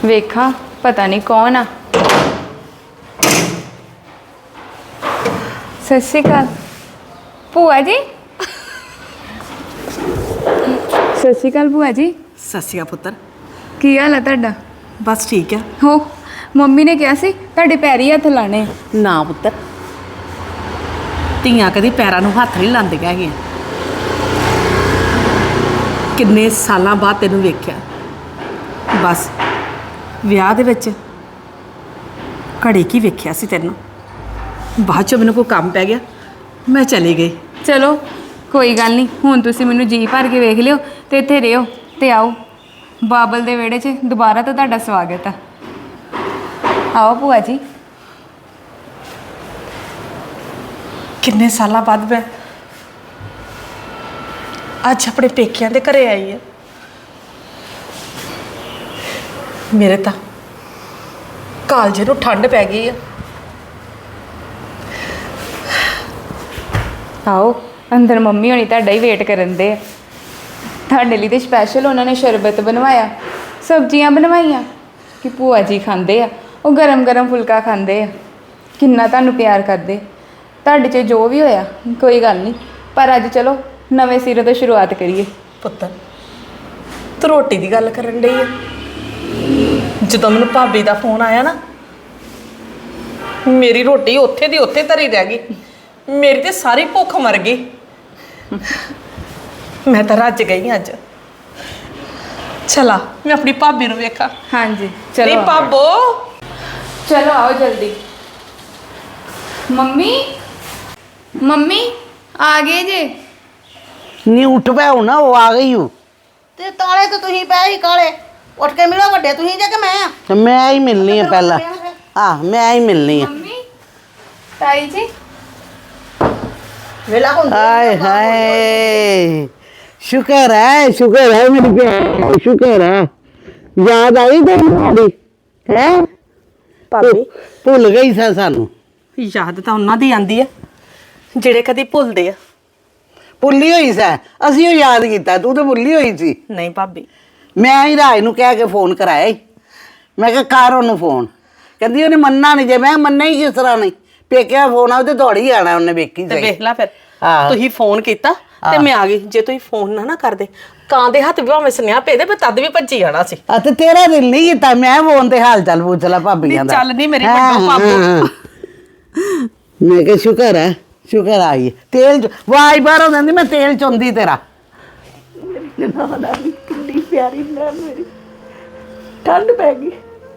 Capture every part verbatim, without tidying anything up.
वेखा पता नहीं कौन आ। सत श्री अकाल भूआ जी। सत श्री अकाल भूआ जी। सत श्री अकाल पुत्तर। की हाल है तुहाडा? बस ठीक है। हो मम्मी ने कहा सी तुहाडे पैरी हत्थ लाने। ना पुत्तर, ਧੀਆਂ कदी पैरों ਨੂੰ हत्थ नहीं ਲਾਉਂਦੀਆਂ ਹੈਗੀਆਂ। किन्ने सालों बाद तेनों वेख्या, बस ਵਿਆਹ ਦੇ ਵਿੱਚ ਘੜੀ ਕੀ ਵੇਖਿਆ ਸੀ ਤੈਨੂੰ। ਬਾਅਦ ਚ ਮੈਨੂੰ ਕੋਈ ਕੰਮ ਪੈ ਗਿਆ, ਮੈਂ ਚਲੀ ਗਈ। चलो कोई गल नहीं, हुण तुसीं मैनूं जी भर के वेख लिओ ते इत्थे रहिओ ते आओ बाबल दे विहड़े च दोबारा तो तुहाडा स्वागत है। आओ भूआ जी। किन्ने सालों बाद मैं अज अपने पेकियां दे घरे आई है। मेरे तो कालजे नूं ठंड पै गई है। आओ अंदर मम्मी होनी तुहाडा ही वेट करन दे। तुहाडे लई ते स्पैशल उन्होंने शरबत बनवाया, सब्जियां बनवाइयां कि भूआ जी खांदे आ, वो गरम गरम फुलका खांदे आ, किन्ना तुहानूं प्यार करदे। तुहाडे च जो भी होया कोई गल नहीं, पर अज चलो नवें सिरे तो शुरुआत करिए। पुत्तर तू रोटी की गल करन डई है। जदों मैनूं भाभी का फोन आया ना, मेरी रोटी उत्थे दी उत्थे धरी रह गई, मेरी तो सारी भुख मर गई। मैं तो रज गई अज। चला मैं अपनी भाभी नूं वेखां। हाँ जी चलो। नहीं भाबो, चलो आओ जल्दी। मम्मी मम्मी आ गए जे। नहीं उठ पै ना, वो आ गई हूँ। ते ताले तो तुही पै ही काले, उठ के मिलो वड्डे तुही जे कि मैं आ। तो मैं ही मिलनी है पहला। हाँ मैं ही मिलनी है। मम्मी ताई जी वेला हुंदी हाय हाय, शुक्र है शुक्र है मेरी भैन, शुक्र है। याद आई तेरी है भाभी भुल गई सा सानू। याद तो उन्हां दी आंदी है ਜਿਹੜੇ कदी भुलदे आ। भुली हुई सै, असी याद किया, तू तो भुली हुई सी। नहीं भाभी, मैं ही राज नूं कह के फोन कराया ही। मैं कहा कर ओनू फोन, कहती उन्हें मन्ना नहीं। जे मैं मन्ना ही किस तरह नहीं, पेकिया फोन आउ तो दौड़ ही आना उन्हें वेखी ਤੇ सही। ਵੇਖ ਲਾ ਫਿਰ ਆਹ। ਤੁਸੀਂ ਫੋਨ ਕੀਤਾ ਤੇ ਮੈਂ ਆ ਗਈ। ਜੇ ਤੁਸੀਂ ਫੋਨ ਨਾ ਨਾ ਕਰਦੇ, ਕਾਂ ਦੇ ਹੱਥ ਵੀ ਭਾਵੇਂ ਸੁਨੇਹਾ ਭੇਜਦੇ, ਮੈਂ ਤਦ ਵੀ ਭੱਜੀ ਜਾਣਾ ਸੀ। ਆ ਤੇ ਤੇਰਾ ਦਿਲ ਨਹੀਂ ਕੀਤਾ, ਮੈਂ ਫੋਨ ਤੇ ਹਾਲ ਚਾਲ ਪੁੱਛ ਲਾ ਭਾਬੀਆਂ ਦਾ। ਚੱਲ ਨਹੀਂ ਮੇਰੀ ਵੱਡੋ ਭਾਬੋ। ਮੈਂ ਕਿਹਾ ਸ਼ੁਕਰ ਹੈ, ਸ਼ੁਕਰ ਆਈ ਤੇਲ ਚ ਵਾਈ ਬਾਹਰੋਂ ਦਿੰਦੀ, ਮੈਂ ਤੇਲ ਚੁੰਦੀ ਤੇਰਾ। ਕਿੰਨੀ ਪਿਆਰੀ ਨਾ ਮੇਰੀ, ਠੰਡ ਪੈ ਗਈ।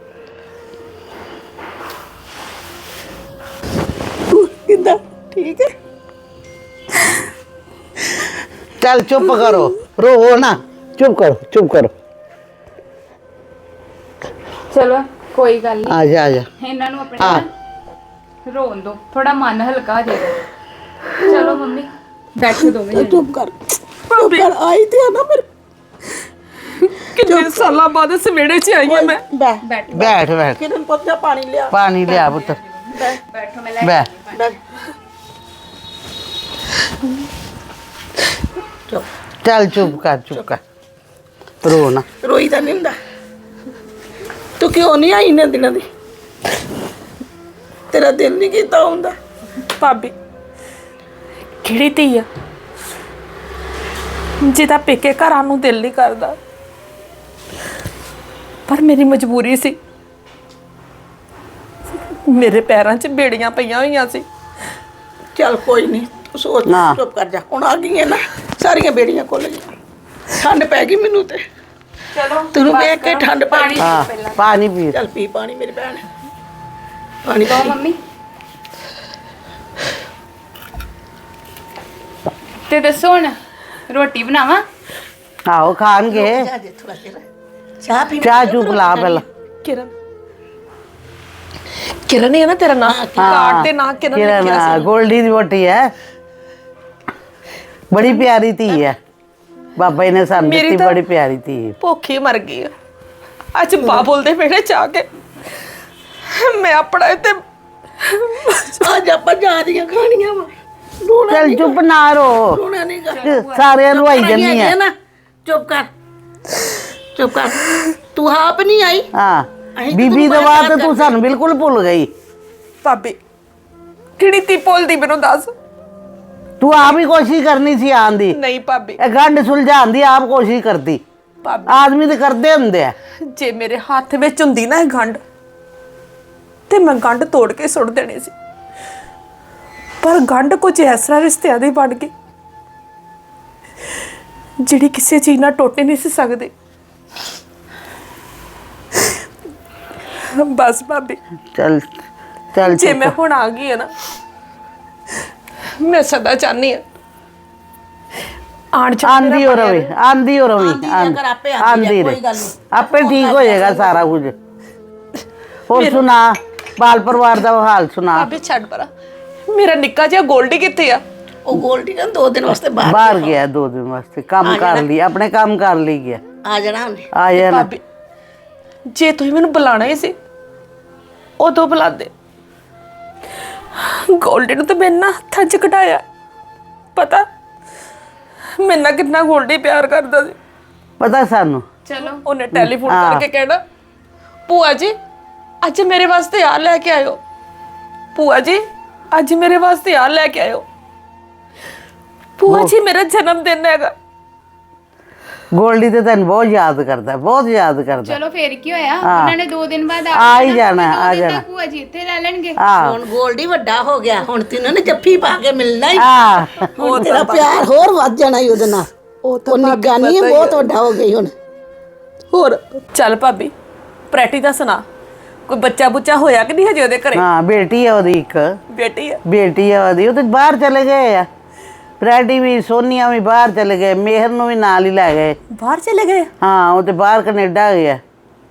ਕਿੱਦਾਂ ਠੀਕ ਹੈ? चल चुप करो, रो ना, चुप करो चुप करो। चलो कोई गल नहीं, आ जा आ जा। इन्हां नूं अपने ना रोन दो, थोड़ा मन हल्का हो जाएगा। चलो मम्मी बैठो दोवें जने। चुप कर, चुप कर। आई थी ना मेरे कितने सालों बाद इस वेड़े च आई हूं मैं। बैठ बैठ बैठ बैठ, किरण पुੱਤ पानी लिया। पानी लिया पुत्र, बैठो मैं ले बैठ। चुप चल चुप कर चुप कर, रो ना। रोई ਤਾਂ ਨਹੀਂ ਹੁੰਦਾ। ਤੂੰ ਕਿਉਂ ਨਹੀਂ ਆਈ ਇਹਨਾਂ ਦਿਨਾਂ ਦੀ? ਤੇਰਾ ਦਿਲ ਨਹੀਂ ਕੀਤਾ ਹੁੰਦਾ? ਭਾਬੀ ਕਿਹੜੀ ਧੀ ਆ ਜਿਹਦਾ ਪੇਕੇ ਘਰਾਂ ਨੂੰ ਦਿਲ ਨਹੀਂ ਕਰਦਾ, ਪਰ ਮੇਰੀ ਮਜਬੂਰੀ ਸੀ। ਮੇਰੇ ਪੈਰਾਂ 'ਚ ਬੇੜੀਆਂ ਪਈਆਂ ਹੋਈਆਂ ਸੀ। ਚੱਲ ਕੋਈ ਨਹੀਂ, ਤੂੰ ਸੋਚ ਨਾ। ਚੁੱਪ ਕਰ ਜਾ। ਹੁਣ ਆ ਗਈਆਂ ਨਾ ਸਾਰੀਆਂ ਬੇੜੀਆਂ ਖੁੱਲ ਗਈਆਂ। ਠੰਡ ਪੈ ਗਈ ਮੈਨੂੰ ਤੇ। चलो ਤੈਨੂੰ ਵੇਖ ਕੇ ਠੰਡ ਪੈ ਗਈ। हाँ पानी पी। ਚੱਲ ਪੀ ਪਾਣੀ ਮੇਰੀ ਭੈਣ, ਪਾਣੀ दो ਪੀ। मम्मी ते दसो हुण रोटी बनावां? आओ खान के ਜਾ ਜੇ ਥੋੜਾ ਜਿਹਾ ਚਾਹ ਪੀ। चाह चू पिला पहला। ਕਿਰਨ ਕਿਰਨ ਹੈ ਨਾ ਤੇਰਾ ਨਾਂ? ਕਾਰਡ ਤੇ ਨਾਂ ਕਿਰਨ ਲਿਖਿਆ किरण ਸੀ। गोल्डी दी बोटी है, बड़ी प्यारी थी है। बाबा जी ने सन मेरी दी, तो- बड़ी प्यारी थी। ਭੁੱਖੀ ਮਰ ਗਈ ਆ। ਅੱਜ ਬਾਬੁਲ ਦੇ ਵਿਹੜੇ ਚ ਆ ਕੇ ਮੈਂ ਆਪਣਾ ਤੇ ਅੱਜ ਆਪਾਂ ਜਾ ਰਹੀਆਂ ਖਾਣੀਆਂ ਵਾ। ਰੋਣਾ चल चुप ना रो, ਰੋਣਾ नहीं कर। सारे रुआई जन्नी है। ना चुप कर चुप कर। तू आप नहीं आई? हाँ ਅਸੀਂ ਤਾਂ ਬੀਬੀ ਤੋਂ ਤੈਨੂੰ ਬਾਅਦ ਬਾਰ-ਬਾਰ ਤਾਂ ਤੂੰ ਸਾਨੂੰ ਬਿਲਕੁਲ ਭੁੱਲ ਗਈ। ਭਾਬੀ ਕਿਹੜੀ ਤੀ ਭੁੱਲਦੀ ਮੈਨੂੰ ਦੱਸ। ਤੂੰ ਆਪ ਹੀ ਕੋਸ਼ਿਸ਼ ਕਰਨੀ ਸੀ ਆਉਣ ਦੀ। ਨਹੀਂ ਭਾਬੀ, ਇਹ ਗੰਢ ਸੁਲਝਾਉਣ ਦੀ ਆਪ ਕੋਸ਼ਿਸ਼ ਕਰਦੀ। ਭਾਬੀ ਆਦਮੀ ਤੇ ਕਰਦੇ ਹੁੰਦੇ ਆ। ਜੇ ਮੇਰੇ ਹੱਥ ਵਿੱਚ ਹੁੰਦੀ ਨਾ ਇਹ ਗੰਢ ਤੇ ਮੈਂ ਗੰਢ ਤੋੜ ਕੇ ਸੁੱਟ ਦੇਣੀ ਸੀ, ਪਰ ਗੰਢ ਕੁਝ ਇਸ ਤਰ੍ਹਾਂ ਰਿਸ਼ਤਿਆਂ ਦੀ ਬਣ ਗਈ ਜਿਹੜੀ ਕਿਸੇ ਚੀਜ਼ ਨਾਲ ਟੁੱਟ ਨਹੀਂ ਸੀ ਸਕਦੀ। ਬਸ ਭਾਬੀ, ਚੱਲ ਚੱਲ ਜੇ ਚੁੱਪ। ਮੈਂ ਹੁਣ ਆ ਗਈ ਹੈ ਨਾ, ਮੈਂ ਸਦਾ ਚਾਹਨੀ ਆ ਆਣ ਚ ਆਂਦੀ ਹੋ ਰਵੇ, ਆਂਦੀ ਹੋ ਰਵੇ, ਆਂਦੀ ਆ ਕਰ, ਆਪੇ ਆਂਦੀ ਆ, ਆਂਦੀ ਕੋਈ ਰਹੇ। ਗੱਲ ਨਹੀਂ। ਆਪੇ ਠੀਕ ਹੋ ਜਾਏਗਾ ਸਾਰਾ ਕੁਝ। ਹੋਰ ਸੁਣਾ, ਬਾਲ ਪਰਿਵਾਰ ਦਾ ਹਾਲ ਸੁਣਾ। ਭਾਬੀ ਛੱਡ ਪਰਾ, ਮੇਰਾ ਨਿੱਕਾ ਜਿਹਾ ਗੋਲਡੀ ਕਿੱਥੇ ਆ? ਉਹ ਗੋਲਡੀ ਨਾ ਦੋ ਦਿਨ ਵਾਸਤੇ ਬਾਹਰ ਬਾਹਰ ਗਿਆ ਦੋ ਦਿਨ ਵਾਸਤੇ, ਕੰਮ ਕਰ ਲਈ, ਆਪਣੇ ਕੰਮ ਕਰ ਲਈ ਗਿਆ। ਆ ਜਾਣਾ ਉਹਨੇ। ਆ ਜਾਣਾ। ਭਾਬੀ ਜੇ ਤੁਸੀਂ ਮੈਨੂੰ ਬੁਲਾਣਾ ਹੀ ਸੀ ਉਦੋਂ ਬੁਲਾਦੇ। ਗੋਲਡੀ ਨੂੰ ਤਾਂ ਮੈਂ ਨਾ ਹੱਥਾਂ 'ਚ ਕਢਾਇਆ। ਪਤਾ ਮੇਰੇ ਨਾਲ ਕਿੰਨਾ ਗੋਲਡੀ ਪਿਆਰ ਕਰਦਾ ਸੀ। ਪਤਾ ਸਾਨੂੰ। ਚਲੋ ਉਹਨੇ ਟੈਲੀਫੋਨ ਕਰਕੇ ਕਹਿਣਾ, ਭੂਆ ਜੀ ਅੱਜ ਮੇਰੇ ਵਾਸਤੇ ਆ ਲੈ ਕੇ ਆਇਓ, ਭੂਆ ਜੀ ਅੱਜ ਮੇਰੇ ਵਾਸਤੇ ਆ ਲੈ ਕੇ ਆਇਓ, ਭੂਆ ਜੀ ਮੇਰਾ ਜਨਮ ਦਿਨ ਹੈਗਾ। ਗੋਲਡੀ ਤੇ ਤੈਨੂੰ ਬਹੁਤ ਯਾਦ ਕਰਦਾ, ਬਹੁਤ ਯਾਦ ਕਰਦਾ। ਚਲੋ ਫੇਰ ਕੀ ਹੋਇਆ, ਉਹਨਾਂ ਨੇ ਦੋ ਦਿਨ ਬਾਅਦ ਆ ਹੀ ਜਾਣਾ, ਆ ਜਾਣਾ। ਭੂਆ ਜੀ ਇੱਥੇ ਰਹਿ ਲੈਣਗੇ। ਆ ਹੁਣ ਗੋਲਡੀ ਵੱਡਾ ਹੋ ਗਿਆ, ਹੁਣ ਤੈਨੂੰ ਨੇ ਜੱਫੀ ਪਾ ਕੇ ਮਿਲਣਾ ਹੀ। ਆ ਹੁਣ ਤੇਰਾ ਪਿਆਰ ਹੋਰ ਵੱਧ ਜਾਣਾ ਹੀ ਉਹਦੇ ਨਾਲ। ਉਹ ਤਾਂ ਨਿੱਕਾ ਨਹੀਂ ਹੈ, ਬਹੁਤ ਵੱਡਾ ਹੋ ਗਈ ਹੁਣ। ਹੋਰ ਚੱਲ ਭਾਬੀ, ਪ੍ਰੈਟੀ ਦਾ ਸੁਣਾ, ਕੋਈ ਬੱਚਾ ਬੁੱਚਾ ਹੋਇਆ ਕਿ ਨਹੀਂ ਹਜੇ ਉਹਦੇ ਘਰੇ? ਹਾਂ ਬੇਟੀ ਹੈ ਉਹਦੀ, ਇੱਕ ਬੇਟੀ ਹੈ। ਬੇਟੀ ਹੈ ਉਹਦੀ। ਉਹ ਤੇ ਬਾਹਰ ਚਲੇ ਗਏ ਆ। ਫਰੈਡੀ ਵੀ, ਸੋਨੀਆ ਵੀ ਬਾਹਰ ਚਲੇ ਗਏ, ਮੇਹਰ ਨੂੰ ਵੀ ਨਾਲ ਹੀ ਲੈ ਗਏ। ਬਾਹਰ ਚਲੇ ਗਏ? ਹਾਂ ਉਹ ਤੇ ਬਾਹਰ ਕੈਨੇਡਾ ਗਿਆ।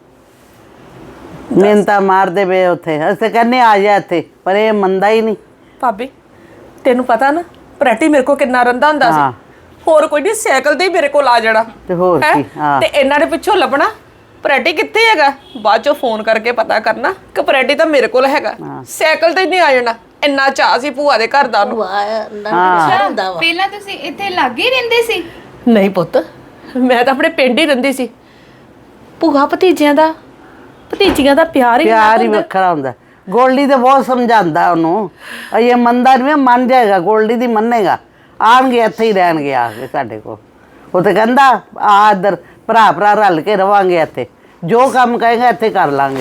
ਮਿਹਨਤਾਂ ਮਾਰਦੇ ਪਏ ਉੱਥੇ। ਅਸੀਂ ਕਹਿੰਦੇ ਆ ਜਾ ਇੱਥੇ, ਪਰ ਇਹ ਮੰਨਦਾ ਹੀ ਨਹੀਂ। ਭਾਬੀ ਤੈਨੂੰ ਪਤਾ ਨਾ ਪ੍ਰੈਟੀ ਮੇਰੇ ਕੋਲ ਕਿੰਨਾ ਰੰਦਾ ਹੁੰਦਾ ਹਾਂ। ਸੀ। ਹੋਰ ਕੋਈ ਨਹੀਂ, ਸਾਈਕਲ ਤੇ ਹੀ ਮੇਰੇ ਕੋਲ ਆ ਜਾਣਾ। ਤੇ ਹੋਰ ਹੈਂ? ਕੀ, ਹਾਂ। ਤੇ ਇਹਨਾਂ ਦੇ ਪਿੱਛੋਂ ਲੱਭਣਾ ਪ੍ਰੈਟੀ ਕਿੱਥੇ ਹੈਗਾ, ਬਾਅਦ ਚੋਂ ਫੋਨ ਕਰਕੇ ਪਤਾ ਕਰਨਾ ਕਿ ਪ੍ਰੈਟੀ ਤਾਂ ਮੇਰੇ ਕੋਲ ਹੈਗਾ। ਸਾਈਕਲ ਤੇ ਹੀ ਨਹੀਂ ਆ ਜਾਣਾ। ਇੰਨਾ ਚਾਅ ਸੀ ਭੂਆ ਦੇ ਘਰ ਦਾ ਉਹਨੂੰ। ਵਾਹ ਨਾ ਹੁੰਦਾ ਵਾ। ਪਹਿਲਾਂ ਤੁਸੀਂ ਇੱਥੇ ਲਾਗੇ ਹੀ ਰਹਿੰਦੇ ਸੀ? ਨਹੀਂ ਪੁੱਤ, ਮੈਂ ਤਾਂ ਆਪਣੇ ਪਿੰਡ ਹੀ ਰਹਿੰਦੀ ਸੀ। ਭੂਆ ਭਤੀਜਿਆਂ ਦਾ, ਭਤੀਜੀਆਂ ਦਾ ਪਿਆਰ ਹੀ ਪਿਆਰ ਹੀ ਹੁੰਦਾ। ਵੱਖਰਾ ਹੁੰਦਾ। ਗੋਲਡੀ ਤੇ ਬਹੁਤ ਸਮਝਾਉਂਦਾ ਉਹਨੂੰ। ਇਹ ਮੰਨਦਾ ਨਹੀਂ, ਮੰਨ ਜਾਏਗਾ। ਗੋਲਡੀ ਦੀ ਮੰਨੇਗਾ। ਆਉਣਗੇ ਇੱਥੇ ਹੀ ਰਹਿਣਗੇ ਆ ਕੇ ਸਾਡੇ ਕੋਲ। ਉਹ ਤੇ ਕਹਿੰਦਾ ਆ ਇੱਧਰ ਭਰਾ ਭਰਾ ਰਲ ਕੇ ਰਵਾਂਗੇ ਇੱਥੇ, ਜੋ ਕੰਮ ਕਹੇਗਾ ਇੱਥੇ ਕਰ ਲਾਂਗੇ।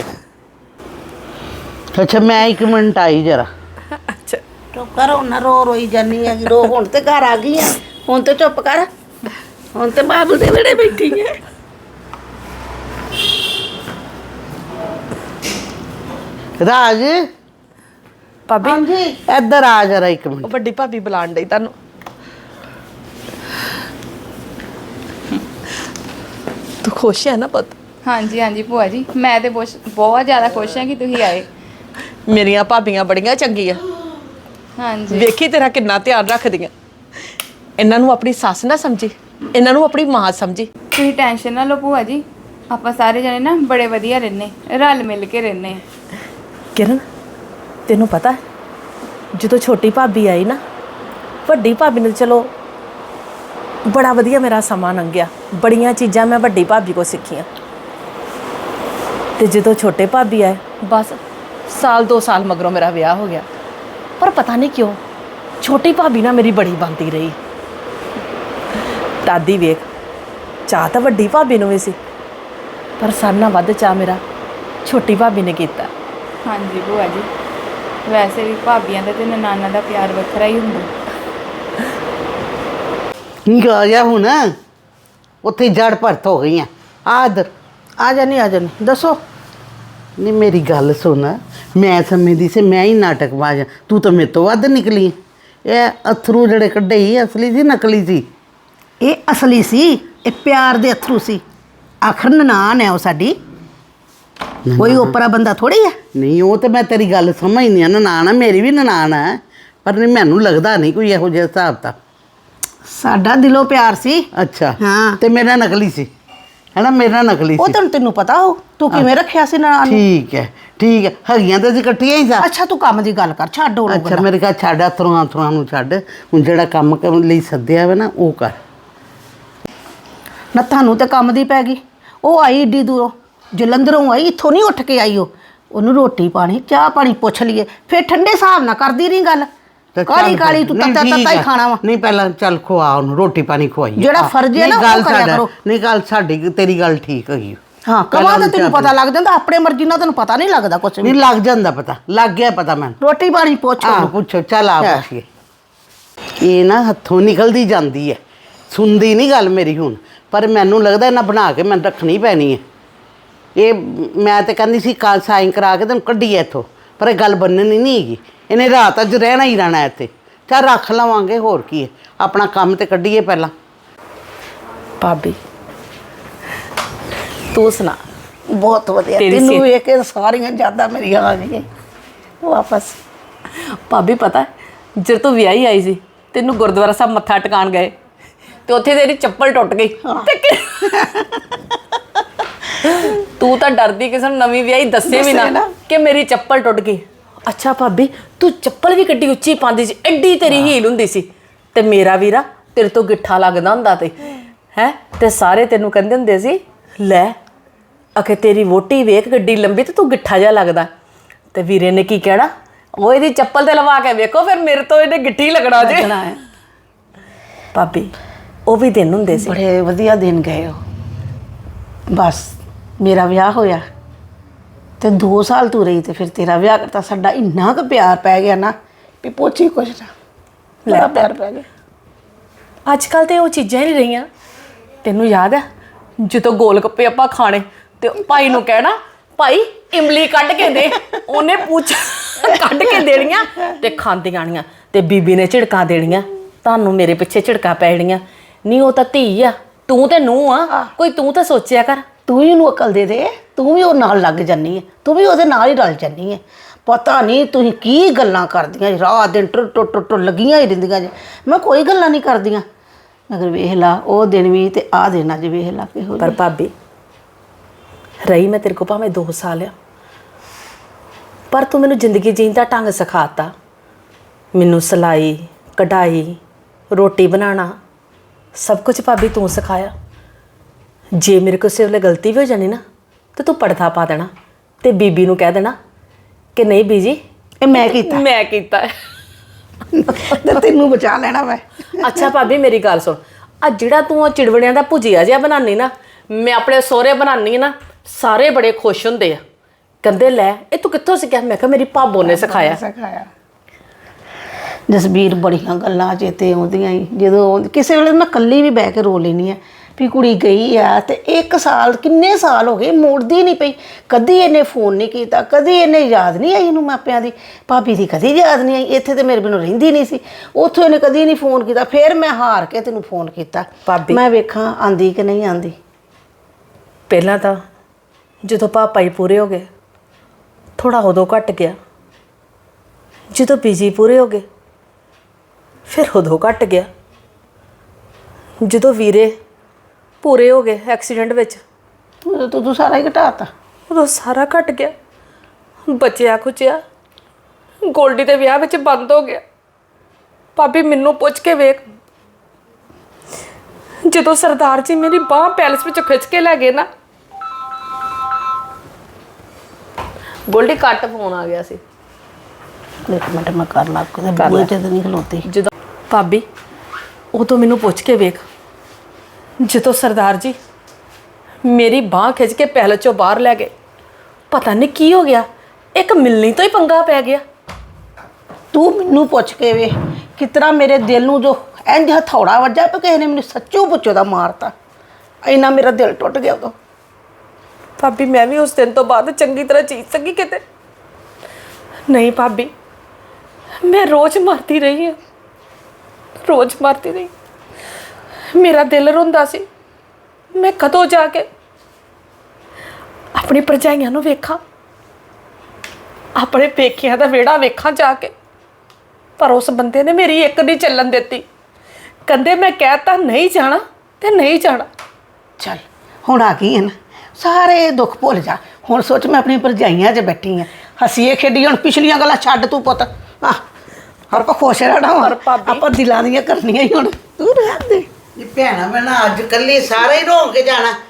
ਅੱਛਾ ਮੈਂ ਇੱਕ ਮਿੰਟ ਆਈ ਜਰਾ। ਅੱਛਾ ਚੁੱਪ ਕਰ, ਹੁਣ ਨਾ ਰੋ ਰੋਈ ਜਾਨੀ ਹੈਗੀ। ਰੋ, ਹੁਣ ਤੇ ਘਰ ਆ ਗਈ ਆ, ਹੁਣ ਤੇ ਚੁੱਪ ਕਰ। ਹੁਣ ਤੇ ਬਾਬਲ ਦੇ ਵਿਹੜੇ ਬੈਠੀ ਹੈ। ਰਾਜ ਭਾਬੀ, ਇੱਧਰ ਆ ਜਰਾ ਇੱਕ ਮਿੰਟ। ਉਹ ਵੱਡੀ ਭਾਬੀ ਬੁਲਾਣ ਡਈ ਤੁਹਾਨੂੰ। ਤੂੰ ਖੁਸ਼ ਹੈ ਨਾ ਪੁੱਤ? ਹਾਂਜੀ ਹਾਂਜੀ ਭੂਆ ਜੀ, ਮੈਂ ਤੇ ਬਹੁਤ ਬਹੁਤ ਜ਼ਿਆਦਾ ਖੁਸ਼ ਹਾਂ ਕਿ ਤੁਸੀਂ ਆਏ। ਮੇਰੀਆਂ ਭਾਬੀਆਂ ਬੜੀਆਂ ਚੰਗੀਆਂ। ਹਾਂਜੀ ਵੇਖੀ ਤੇਰਾ ਕਿੰਨਾ ਧਿਆਨ ਰੱਖਦੀਆਂ। ਇਹਨਾਂ ਨੂੰ ਆਪਣੀ ਸੱਸ ਨਾ ਸਮਝੀ, ਇਹਨਾਂ ਨੂੰ ਆਪਣੀ ਮਾਂ ਸਮਝੀ। ਤੁਸੀਂ ਟੈਨਸ਼ਨ ਨਾ ਲਓ ਭੂਆ ਜੀ, ਆਪਾਂ ਸਾਰੇ ਜਣੇ ਨਾ ਬੜੇ ਵਧੀਆ ਰਹਿੰਦੇ, ਰਲ ਮਿਲ ਕੇ ਰਹਿੰਦੇ। ਕਿਰਨ ਤੈਨੂੰ ਪਤਾ ਹੈ, ਜਦੋਂ ਛੋਟੀ ਭਾਬੀ ਆਈ ਨਾ, ਵੱਡੀ ਭਾਬੀ ਨੇ ਚਲੋ ਬੜਾ ਵਧੀਆ ਮੇਰਾ ਸਮਾਂ ਲੰਘਿਆ। ਬੜੀਆਂ ਚੀਜ਼ਾਂ ਮੈਂ ਵੱਡੀ ਭਾਬੀ ਕੋਲ ਸਿੱਖੀਆਂ। ਤੇ ਜਦੋਂ ਛੋਟੇ ਭਾਬੀ ਆਏ, ਬਸ ਸਾਲ ਦੋ ਸਾਲ ਮਗਰੋਂ ਮੇਰਾ ਵਿਆਹ ਹੋ ਗਿਆ। ਪਰ ਪਤਾ ਨਹੀਂ ਕਿਉਂ ਛੋਟੀ ਭਾਬੀ ਨਾਲ ਮੇਰੀ ਬੜੀ ਬਣਦੀ ਰਹੀ। ਦਾਦੀ ਵੇਖ, ਚਾਹ ਤਾਂ ਵੱਡੀ ਭਾਬੀ ਨੂੰ ਵੀ ਸੀ, ਪਰ ਸਾਰਿਆਂ ਨਾਲੋਂ ਵੱਧ ਚਾਹ ਮੇਰਾ ਛੋਟੀ ਭਾਬੀ ਨੇ ਕੀਤਾ। ਹਾਂਜੀ ਭੂਆ ਜੀ, ਵੈਸੇ ਵੀ ਭਾਬੀਆਂ ਦਾ ਤੇ ਨਨਾਨਾ ਦਾ ਪਿਆਰ ਵੱਖਰਾ ਹੀ ਹੁੰਦਾ। ਠੀਕ ਆ ਜਾ ਹੁਣ। ਉੱਥੇ ਜੜ ਭਰਤ ਹੋ ਗਈਆਂ। ਆ ਇੱਧਰ ਆ ਜਾਨੀ ਆ ਜਾਨੀ, ਦੱਸੋ। ਨਹੀਂ ਮੇਰੀ ਗੱਲ ਸੁਣ। ਮੈਂ ਸਮਝਦੀ ਸੀ ਮੈਂ ਹੀ ਨਾਟਕਬਾਜ਼ ਹਾਂ, ਤੂੰ ਤਾਂ ਮੇਰੇ ਤੋਂ ਵੱਧ ਨਿਕਲੀ। ਇਹ ਅਥਰੂ ਜਿਹੜੇ ਕੱਢੇ ਸੀ ਅਸਲੀ ਸੀ ਨਕਲੀ ਸੀ? ਇਹ ਅਸਲੀ ਸੀ, ਇਹ ਪਿਆਰ ਦੇ ਅਥਰੂ ਸੀ। ਆਖਰ ਨਨਾਣ ਹੈ ਉਹ ਸਾਡੀ, ਕੋਈ ਓਪਰਾ ਬੰਦਾ ਥੋੜੀ ਹੈ। ਨਹੀਂ ਉਹ ਤੇ ਮੈਂ ਤੇਰੀ ਗੱਲ ਸਮਝਦੀ ਹਾਂ, ਨਨਾਣ ਆ, ਮੇਰੀ ਵੀ ਨਨਾਣ ਹੈ, ਪਰ ਨਹੀਂ ਮੈਨੂੰ ਲੱਗਦਾ ਨਹੀਂ ਕੋਈ ਇਹੋ ਜਿਹਾ ਹਿਸਾਬ ਤਾਂ। ਸਾਡਾ ਦਿਲੋਂ ਪਿਆਰ ਸੀ। ਅੱਛਾ ਹਾਂ। ਤੇ ਮੇਰਾ ਨਕਲੀ ਸੀ ਹੈਨਾ? ਮੇਰਾ ਨਕਲੀ ਉਹ ਸੀ। ਤੈਨੂੰ ਤੈਨੂੰ ਪਤਾ ਹੋ ਤੂੰ ਕਿਵੇਂ ਰੱਖਿਆ ਸੀ ਨਨਾਣ ਨੂੰ। ਠੀਕ ਹੈ ਠੀਕ ਹੈ, ਹੈਗੀਆਂ ਤਾਂ ਅਸੀਂ ਇਕੱਠੀਆਂ ਹੀ ਸਾਂ। ਅੱਛਾ ਤੂੰ ਕੰਮ ਦੀ ਗੱਲ ਕਰ, ਛੱਡ ਉਹ ਅੱਛਾ ਮੇਰੇ ਘਰ ਛੱਡ, ਅਥਰੂਆਂ ਅਥਰੂਆਂ ਨੂੰ ਛੱਡ। ਹੁਣ ਜਿਹੜਾ ਕੰਮ ਕਰਨ ਲਈ ਸੱਦਿਆ ਵਾ ਨਾ ਉਹ ਕਰ। ਨਾ ਤੁਹਾਨੂੰ ਤੇ ਕੰਮ ਦੀ ਪੈ ਗਈ। ਉਹ ਆਈ ਏਡੀ ਦੂਰੋਂ, ਜਲੰਧਰੋਂ ਆਈ, ਇੱਥੋਂ ਨਹੀਂ ਉੱਠ ਕੇ ਆਈ ਉਹ। ਉਹਨੂੰ ਰੋਟੀ ਪਾਣੀ ਚਾਹ ਪਾਣੀ ਪੁੱਛ ਲਈਏ, ਫਿਰ ਠੰਡੇ ਹਿਸਾਬ ਨਾਲ ਕਰਦੀ ਰਹੀ ਗੱਲ। ਤੇ ਚੱਲ ਕਾਲੀ ਕਾਲੀ ਤੂੰ ਨਹੀਂ, ਤੱਤਾ ਠੀਕ ਤੱਤਾ ਹੀ ਹੈ। ਖਾਣਾ ਵਾ। ਨਹੀਂ ਪਹਿਲਾਂ ਚੱਲ ਖਵਾ ਉਹਨੂੰ ਰੋਟੀ ਪਾਣੀ ਖਵਾਈਏ। ਜਿਹੜਾ ਹਾਂ, ਫਰਜ਼ ਹੈ ਨਹੀਂ, ਨਾ, ਉਹ ਗੱਲ ਕਰਿਆ ਸਾਡਾ- ਕਰੋ। ਨਹੀਂ ਗੱਲ ਸਾਡੀ ਤੇਰੀ ਗੱਲ ਠੀਕ ਹੈਗੀ। ਹਾਂ ਪਹਿਲਾਂ ਕਮਾਂ ਤਾਂ ਉਹਨੂੰ ਤੈਨੂੰ ਚਾਹ ਪਤਾ ਲੱਗ ਜਾਂਦਾ, ਆਪਣੇ ਮਰਜ਼ੀ ਨਾਲ ਤੈਨੂੰ ਪਤਾ ਨਹੀਂ ਲੱਗਦਾ ਕੁਛ ਨਹੀਂ ਵੀ। ਲੱਗ ਜਾਂਦਾ ਪਤਾ, ਲੱਗ ਗਿਆ ਪਤਾ ਮੈਨੂੰ। ਰੋਟੀ ਪਾਣੀ ਪੁੱਛ ਹਾਂ ਉਹਨੂੰ। ਪੁੱਛੋ, ਚੱਲ ਆ ਹਾਂ। ਪੁੱਛੀਏ। ਇਹ ਨਾ ਹੱਥੋਂ ਨਿਕਲਦੀ ਜਾਂਦੀ ਹੈ, ਸੁਣਦੀ ਨਹੀਂ ਗੱਲ ਮੇਰੀ ਹੁਣ, ਪਰ ਮੈਨੂੰ ਲੱਗਦਾ ਇਹਨਾਂ ਬਣਾ ਕੇ ਮੈਨੂੰ ਰੱਖਣੀ ਪੈਣੀ ਹੈ। ਇਹ ਮੈਂ ਤਾਂ ਕਹਿੰਦੀ ਸੀ ਕੱਲ ਸਾਈਨ ਕਰਾ ਕੇ ਤੈਨੂੰ ਕੱਢੀਏ ਇੱਥੋਂ, ਪਰ ਇਹ ਗੱਲ ਬੰਨਣੀ ਨਹੀਂ ਹੈਗੀ। ਇਹਨੇ ਰਾਤ ਅੱਜ ਰਹਿਣਾ ਹੀ ਰਹਿਣਾ ਇੱਥੇ। ਚੱਲ ਰੱਖ ਲਵਾਂਗੇ, ਹੋਰ ਕੀ ਹੈ, ਆਪਣਾ ਕੰਮ ਤੇ ਕੱਢੀਏ ਪਹਿਲਾਂ। ਭਾਬੀ ਤੂੰ ਸੁਣਾ। ਬਹੁਤ ਵਧੀਆ, ਤੇਰੀ ਤੈਨੂੰ ਸਿਹਤ- ਵੇਖ ਕੇ ਸਾਰੀਆਂ ਯਾਦਾਂ ਮੇਰੀਆਂ ਆ ਗਈਆਂ ਵਾਪਸ। ਭਾਬੀ ਪਤਾ ਜਦ ਤੂੰ ਵਿਆਹੀ ਆਈ ਸੀ ਤੈਨੂੰ ਗੁਰਦੁਆਰਾ ਸਾਹਿਬ ਮੱਥਾ ਟਿਕਾਣ ਗਏ ਤੇ ਉੱਥੇ ਤੇਰੀ ਚੱਪਲ ਟੁੱਟ ਗਈ ਤੇ ਕਿ- ਤੂੰ ਤਾਂ ਡਰਦੀ ਕਿਸੇ ਨੂੰ ਨਵੀਂ ਵਿਆਹੀ ਦੱਸੇ ਵੀ ਨਾ ਕਿ ਮੇਰੀ ਚੱਪਲ ਟੁੱਟ ਗਈ। ਅੱਛਾ ਭਾਬੀ ਤੂੰ ਚੱਪਲ ਵੀ ਕਿੱਡੀ ਉੱਚੀ ਪਾਉਂਦੀ ਸੀ, ਐਡੀ ਤੇਰੀ ਹੀਲ ਹੁੰਦੀ ਸੀ, ਤੇ ਮੇਰਾ ਵੀਰਾ ਤੇਰੇ ਤੋਂ ਗਿੱਠਾ ਲੱਗਦਾ ਹੁੰਦਾ ਤੇ ਹੈ, ਤੇ ਸਾਰੇ ਤੈਨੂੰ ਕਹਿੰਦੇ ਹੁੰਦੇ ਸੀ ਲੈ ਅਖੇ ਤੇਰੀ ਵੋਟੀ ਵੇਖ ਗੱਡੀ ਲੰਬੀ ਤੇ ਤੂੰ ਗਿੱਠਾ ਜਿਹਾ ਲੱਗਦਾ। ਤੇ ਵੀਰੇ ਨੇ ਕੀ ਕਹਿਣਾ, ਉਹ ਇਹਦੀ ਚੱਪਲ ਤੇ ਲਵਾ ਕੇ ਵੇਖੋ ਫਿਰ ਮੇਰੇ ਤੋਂ ਇਹਨੇ ਗਿੱਠੀ ਲੱਗਣਾ ਜੇ। ਭਾਬੀ ਉਹ ਵੀ ਦਿਨ ਹੁੰਦੇ ਸੀ। ਬੜੇ ਵਧੀਆ ਦਿਨ ਗਏ ਉਹ। ਬਸ ਮੇਰਾ ਵਿਆਹ ਹੋਇਆ ਤੇ ਦੋ ਸਾਲ ਤੂੰ ਰਹੀ ਤੇ ਫਿਰ ਤੇਰਾ ਵਿਆਹ ਕਰਤਾ। ਸਾਡਾ ਇੰਨਾ ਕੁ ਪਿਆਰ ਪੈ ਗਿਆ ਨਾ ਵੀ ਪੁੱਛੀ ਕੁਛ ਨਾ, ਬੜਾ ਪਿਆਰ ਪੈ ਗਿਆ। ਅੱਜ ਕੱਲ ਤੇ ਉਹ ਚੀਜ਼ਾਂ ਹੀ ਨਹੀਂ ਰਹੀਆਂ। ਤੈਨੂੰ ਯਾਦ ਹੈ ਜਦੋਂ ਗੋਲ ਗੱਪੇ ਆਪਾਂ ਖਾਣੇ ਤੇ ਭਾਈ ਨੂੰ ਕਹਿਣਾ ਭਾਈ ਇਮਲੀ ਕੱਢ ਕੇ ਦੇ, ਉਹਨੇ ਪੁੱਛ ਕੱਢ ਕੇ ਦੇਣੀਆਂ ਤੇ ਖਾਂਦੀਆਂ ਆਣੀਆਂ, ਤੇ ਬੀਬੀ ਨੇ ਝਿੜਕਾਂ ਦੇਣੀਆਂ, ਤੁਹਾਨੂੰ ਮੇਰੇ ਪਿੱਛੇ ਝਿੜਕਾਂ ਪੈ ਜਾਣੀਆਂ। ਨਹੀਂ ਉਹ ਤਾਂ ਧੀ ਆ, ਤੂੰ ਤੇ ਨੂੰਹ ਆ, ਕੋਈ ਤੂੰ ਤਾਂ ਸੋਚਿਆ ਕਰ। ਤੂੰ ਹੀ ਉਹਨੂੰ ਅਕਲ ਦੇ ਦੇ, ਤੂੰ ਵੀ ਉਹ ਨਾਲ ਲੱਗ ਜਾਨੀ ਹੈ, ਤੂੰ ਵੀ ਉਹਦੇ ਨਾਲ ਹੀ ਰਲ ਜਾਨੀ ਹੈ। ਪਤਾ ਨਹੀਂ ਤੁਸੀਂ ਕੀ ਗੱਲਾਂ ਕਰਦੀਆਂ ਜੀ, ਰਾਤ ਦਿਨ ਟੁੱਟ ਟੁੱਟ ਟੁੱਟ ਲੱਗੀਆਂ ਹੀ ਰਹਿੰਦੀਆਂ ਜੀ। ਮੈਂ ਕੋਈ ਗੱਲਾਂ ਨਹੀਂ ਕਰਦੀਆਂ, ਮਗਰ ਵੇਖ ਲਾ ਉਹ ਦਿਨ ਵੀ ਤੇ ਆਹ ਦਿਨ ਅੱਜ ਵੇਖ ਲਾ ਕਿਹੋ ਪਰ ਭਾਬੀ ਰਹੀ ਮੈਂ ਤੇਰੇ ਕੋਲ ਭਾਵੇਂ ਦੋ ਸਾਲ ਆ, ਪਰ ਤੂੰ ਮੈਨੂੰ ਜ਼ਿੰਦਗੀ ਜੀਣ ਦਾ ਢੰਗ ਸਿਖਾਤਾ। ਮੈਨੂੰ ਸਿਲਾਈ ਕਢਾਈ ਰੋਟੀ ਬਣਾਉਣਾ ਸਭ ਕੁਝ ਭਾਬੀ ਤੂੰ ਸਿਖਾਇਆ। ਜੇ ਮੇਰੇ ਕੋਲ ਸਿਰਫ ਗਲਤੀ ਵੀ ਹੋ ਜਾਣੀ ਨਾ ਤੇ ਤੂੰ ਪਰਦਾ ਪਾ ਦੇਣਾ ਤੇ ਬੀਬੀ ਨੂੰ ਕਹਿ ਦੇਣਾ ਕਿ ਨਹੀਂ ਬੀਜੀ ਇਹ ਮੈਂ ਕੀਤਾ ਮੈਂ ਕੀਤਾ ਹੈ। ਤੇ ਤੈਨੂੰ ਬਚਾ ਲੈਣਾ ਮੈਂ। ਅੱਛਾ ਭਾਬੀ ਮੇਰੀ ਗੱਲ ਸੁਣ, ਆ ਜਿਹੜਾ ਤੂੰ ਉਹ ਚਿੜਵੜਿਆਂ ਦਾ ਭੁਜੀਆ ਜਿਹਾ ਬਣਾਉਣੀ ਨਾ, ਮੈਂ ਆਪਣੇ ਸਹੁਰੇ ਬਣਾਉਣੀ ਨਾ, ਸਾਰੇ ਬੜੇ ਖੁਸ਼ ਹੁੰਦੇ ਆ, ਕਹਿੰਦੇ ਲੈ ਇਹ ਤੂੰ ਕਿੱਥੋਂ ਸਿੱਖਿਆ? ਮੈਂ ਕਿਹਾ ਮੇਰੀ ਭਾਬੋ ਨੇ ਸਿਖਾਇਆ। ਸਿਖਾਇਆ। ਜਸਬੀਰ ਬੜੀਆਂ ਗੱਲਾਂ ਚੇਤੇ ਆਉਂਦੀਆਂ ਹੀ, ਜਦੋਂ ਕਿਸੇ ਵੇਲੇ ਮੈਂ ਇਕੱਲੀ ਵੀ ਬਹਿ ਕੇ ਰੋ ਲੈਂਦੀ ਆ ਵੀ ਕੁੜੀ ਗਈ ਆ ਤੇ ਇੱਕ ਸਾਲ ਕਿੰਨੇ ਸਾਲ ਹੋ ਗਏ ਮੁੜਦੀ ਨਹੀਂ ਪਈ। ਕਦੀ ਇਹਨੇ ਫੋਨ ਨਹੀਂ ਕੀਤਾ, ਕਦੀ ਇਹਨੇ ਯਾਦ ਨਹੀਂ ਆਈ ਇਹਨੂੰ ਮਾਪਿਆਂ ਦੀ, ਭਾਬੀ ਦੀ ਕਦੀ ਯਾਦ ਨਹੀਂ ਆਈ। ਇੱਥੇ ਤੇ ਮੇਰੇ ਬਿਨੋਂ ਰਹਿੰਦੀ ਨਹੀਂ ਸੀ, ਉੱਥੋਂ ਇਹਨੇ ਕਦੀ ਨਹੀਂ ਫੋਨ ਕੀਤਾ। ਫਿਰ ਮੈਂ ਹਾਰ ਕੇ ਤੈਨੂੰ ਫੋਨ ਕੀਤਾ, ਭਾਬੀ ਮੈਂ ਵੇਖਾਂ ਆਂਦੀ ਕਿ ਨਹੀਂ ਆਂਦੀ। ਪਹਿਲਾਂ ਤਾਂ ਜਦੋਂ ਪਾਪਾ ਹੀ ਪੂਰੇ ਹੋ ਗਏ ਥੋੜਾ ਉਦੋਂ ਘਟ ਗਿਆ, ਜਦੋਂ ਬੀਜੀ ਪੂਰੇ ਹੋ ਗਏ ਫਿਰ ਉਦੋਂ ਘਟ ਗਿਆ, ਜਦੋਂ ਵੀਰੇ ਪੂਰੇ ਹੋ ਗਏ ਐਕਸੀਡੈਂਟ ਵਿੱਚ ਉਦੋਂ ਤੂੰ ਤੂੰ ਸਾਰਾ ਹੀ ਘਟਾਤਾ। ਉਦੋਂ ਸਾਰਾ ਘਟ ਗਿਆ। ਬਚਿਆ ਖੁਚਿਆ ਗੋਲਡੀ ਦੇ ਵਿਆਹ ਵਿੱਚ ਬੰਦ ਹੋ ਗਿਆ। ਭਾਬੀ ਮੈਨੂੰ ਪੁੱਛ ਕੇ ਵੇਖ, ਜਦੋਂ ਸਰਦਾਰ ਜੀ ਮੇਰੀ ਬਾਹ ਪੈਲਸ ਵਿੱਚ ਖਿੱਚ ਕੇ ਲੈ ਗਏ ਨਾ, ਗੋਲਡੀ ਕੱਟ ਫੋਨ ਆ ਗਿਆ ਸੀ। ਇੱਕ ਮਿੰਟ ਮੈਂ ਕਰ ਲਾ, ਕੋਈ ਬੂਹੇ ਤੇ ਤਾਂ ਨਹੀਂ ਖਲੋਤੀ। ਜਦੋਂ ਭਾਬੀ ਉਦੋਂ ਮੈਨੂੰ ਪੁੱਛ ਕੇ ਵੇਖ, ਜਦੋਂ ਸਰਦਾਰ ਜੀ ਮੇਰੀ ਬਾਹ ਖਿੱਚ ਕੇ ਪੈਲਸ ਚੋਂ ਬਾਹਰ ਲੈ ਗਏ, ਪਤਾ ਨਹੀਂ ਕੀ ਹੋ ਗਿਆ, ਇੱਕ ਮਿਲਣੀ ਤੋਂ ਹੀ ਪੰਗਾ ਪੈ ਗਿਆ। ਤੂੰ ਮੈਨੂੰ ਪੁੱਛ ਕੇ ਵੇ ਕਿਸ ਤਰ੍ਹਾਂ ਮੇਰੇ ਦਿਲ ਨੂੰ ਜੋ ਇੰਜ ਹਥੌੜਾ ਵੱਜਾ ਪਿਆ, ਕਿਸੇ ਨੇ ਮੈਨੂੰ ਸੱਚੋ ਪੁੱਛੋ ਦਾ ਮਾਰਤਾ, ਇੰਨਾ ਮੇਰਾ ਦਿਲ ਟੁੱਟ ਗਿਆ ਉਦੋਂ। ਭਾਬੀ ਮੈਂ ਵੀ ਉਸ ਦਿਨ ਤੋਂ ਬਾਅਦ ਚੰਗੀ ਤਰ੍ਹਾਂ ਜੀ ਸਕੀ ਕਿਤੇ ਨਹੀਂ। ਭਾਬੀ ਮੈਂ ਰੋਜ਼ ਮਰਦੀ ਰਹੀ ਹਾਂ, ਰੋਜ਼ ਮਰਦੀ ਰਹੀ। ਮੇਰਾ ਦਿਲ ਰੋਂਦਾ ਸੀ, ਮੈਂ ਕਦੋਂ ਜਾ ਕੇ ਆਪਣੀ ਭਰਜਾਈਆਂ ਨੂੰ ਵੇਖਾਂ, ਆਪਣੇ ਪੇਕਿਆਂ ਦਾ ਵਿਹੜਾ ਵੇਖਾਂ ਜਾ ਕੇ। ਪਰ ਉਸ ਬੰਦੇ ਨੇ ਮੇਰੀ ਇੱਕ ਨਹੀਂ ਚੱਲਣ ਦਿੱਤੀ, ਕਹਿੰਦੇ ਮੈਂ ਕਹਿਤਾ ਨਹੀਂ ਜਾਣਾ ਤੇ ਨਹੀਂ ਜਾਣਾ। ਚੱਲ ਹੁਣ ਆ ਗਈ ਹੈ ਨਾ, ਸਾਰੇ ਦੁੱਖ ਭੁੱਲ ਜਾ। ਹੁਣ ਸੋਚ ਮੈਂ ਆਪਣੀ ਭਰਜਾਈਆਂ 'ਚ ਬੈਠੀ ਹਾਂ, ਹੱਸੀਏ ਖੇਡੀ। ਹੁਣ ਪਿਛਲੀਆਂ ਗੱਲਾਂ ਛੱਡ ਤੂੰ ਪੁੱਤ, ਆ ਆਪਾਂ ਖੁਸ਼ ਰਹਿਣਾ ਵਾ, ਆਪਾਂ ਦਿਲਾਂ ਦੀਆਂ ਕਰਨੀਆਂ ਹੀ ਹੁਣ। ਤੂੰ ਰਹਿਣ ਦੇ। ਇਹ ਭੈਣਾ ਮੈਂ ਨਾ ਅੱਜ ਕੱਲੀ ਸਾਰੇ ਹੀ ਰੋ ਕੇ ਜਾਣਾ।